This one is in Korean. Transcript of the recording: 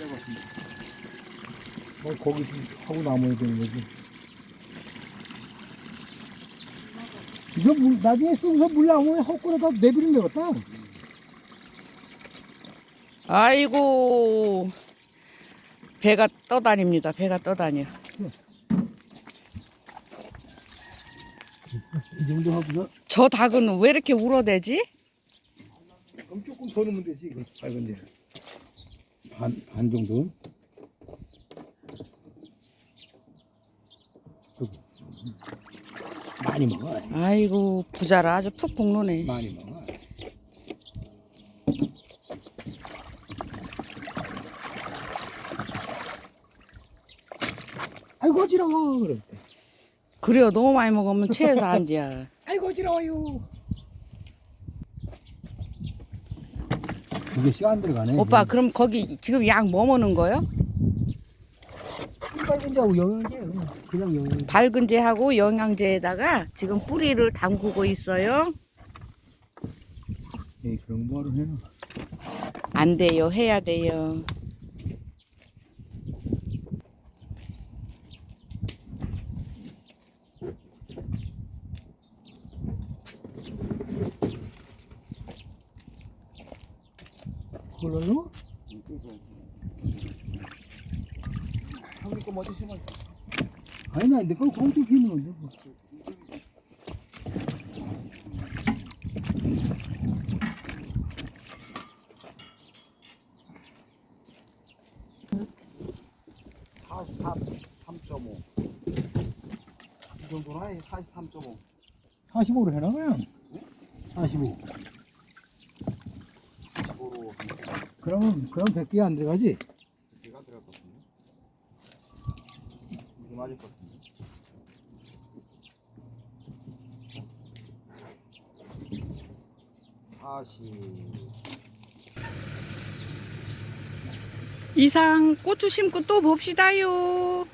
거기 좀 하고 남아야 되는 거지. 이거 나중에 쓰고서 물 나오면 헛골에다 내버리면 되겠다. 아이고, 배가 떠다닙니다. 배가 떠다녀. 이 정도 하고서 저 닭은 왜 이렇게 울어대지? 그럼 조금 더 넣으면 되지. 이거 밝은 데 반 정도. 많이 먹어. 아이고, 부자라 아주 푹 볶노네. 많이 먹어. 아이고 어지러워 그럴 때. 그래요, 너무 많이 먹으면 체해서 안지야. 아이고 어지러워요. 그게 시간 들어가네. 오빠, 그럼 거기 지금 약 뭐 먹는 거요? 빨간자고 영양제 그냥 영양제. 밝은제하고 영양제에다가 지금 뿌리를 담그고 있어요. 예, 그런 거로 해놔. 안 돼요, 해야 돼요. 그걸로 넣어? 형님 거 먼저 심어. 아니 나 내거 공도 피는 건데 뭐. 이 정도나 해. 43.5. 45로 해놔 그냥. 45. 45로 그럼 100개 안 들어가지? 개가 들어갈 것 같은데. 이게 맞을 것 같은데. 40. 이상 고추 심고 또 봅시다요.